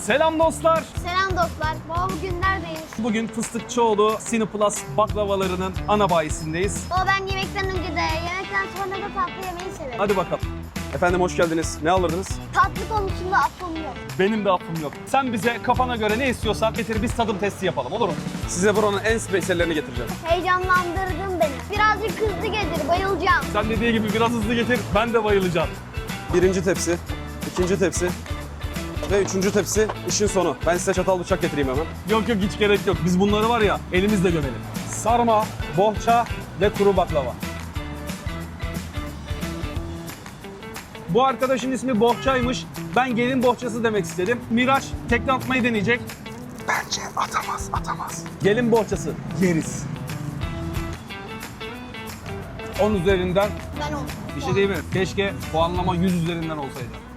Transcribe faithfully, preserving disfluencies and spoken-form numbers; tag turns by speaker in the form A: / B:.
A: Selam dostlar.
B: Selam dostlar. Baba bugün neredeyiz?
A: Bugün Fıstıkçıoğlu Cineplus baklavalarının ana bayisindeyiz.
B: Baba ben yemekten önce de yemekten sonra da tatlı yemeyi severim.
A: Hadi bakalım.
C: Efendim hoş geldiniz. Ne alırdınız?
B: Tatlı konusunda aklım yok.
A: Benim de affım yok. Sen bize kafana göre ne istiyorsan getir, biz tadım testi yapalım, olur mu?
C: Size buranın en spesiyallerini getireceğim.
B: Heyecanlandırdın beni. Birazcık hızlı gelir, bayılacağım.
A: Sen dediği gibi biraz hızlı getir, ben de bayılacağım.
C: Birinci tepsi, ikinci tepsi ve üçüncü tepsi işin sonu. Ben size çatal bıçak getireyim hemen.
A: Yok yok, hiç gerek yok. Biz bunları var ya elimizle gömelim. Sarma, bohça ve kuru baklava. Bu arkadaşın ismi Bohçaymış. Ben gelin bohçası demek istedim. Miraç tekne atmayı deneyecek.
C: Bence atamaz, atamaz.
A: Gelin bohçası yeriz. on üzerinden
B: Ben o.
A: bir şey değil mi? Keşke puanlama yüz üzerinden olsaydı.